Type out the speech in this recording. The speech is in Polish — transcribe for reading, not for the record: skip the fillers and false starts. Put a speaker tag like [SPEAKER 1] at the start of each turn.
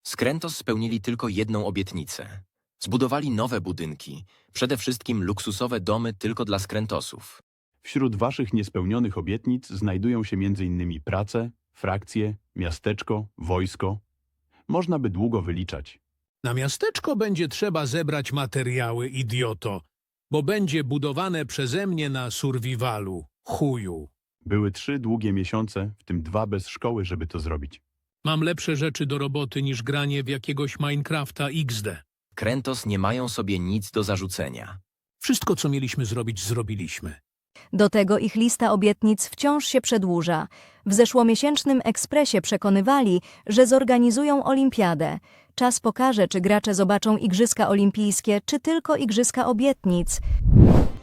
[SPEAKER 1] Skrętos spełnili tylko jedną obietnicę. Zbudowali nowe budynki, przede wszystkim luksusowe domy tylko dla skrętosów.
[SPEAKER 2] Wśród waszych niespełnionych obietnic znajdują się m.in. prace, frakcje, miasteczko, wojsko. Można by długo wyliczać.
[SPEAKER 3] Na miasteczko będzie trzeba zebrać materiały, idioto, bo będzie budowane przeze mnie na survivalu, chuju.
[SPEAKER 2] Były 3 długie miesiące, w tym 2 bez szkoły, żeby to zrobić.
[SPEAKER 3] Mam lepsze rzeczy do roboty niż granie w jakiegoś Minecrafta XD.
[SPEAKER 1] Skrętos nie mają sobie nic do zarzucenia.
[SPEAKER 3] Wszystko, co mieliśmy zrobić, zrobiliśmy.
[SPEAKER 4] Do tego ich lista obietnic wciąż się przedłuża. W zeszłomiesięcznym Ekspresie przekonywali, że zorganizują olimpiadę. Czas pokaże, czy gracze zobaczą Igrzyska Olimpijskie, czy tylko Igrzyska Obietnic.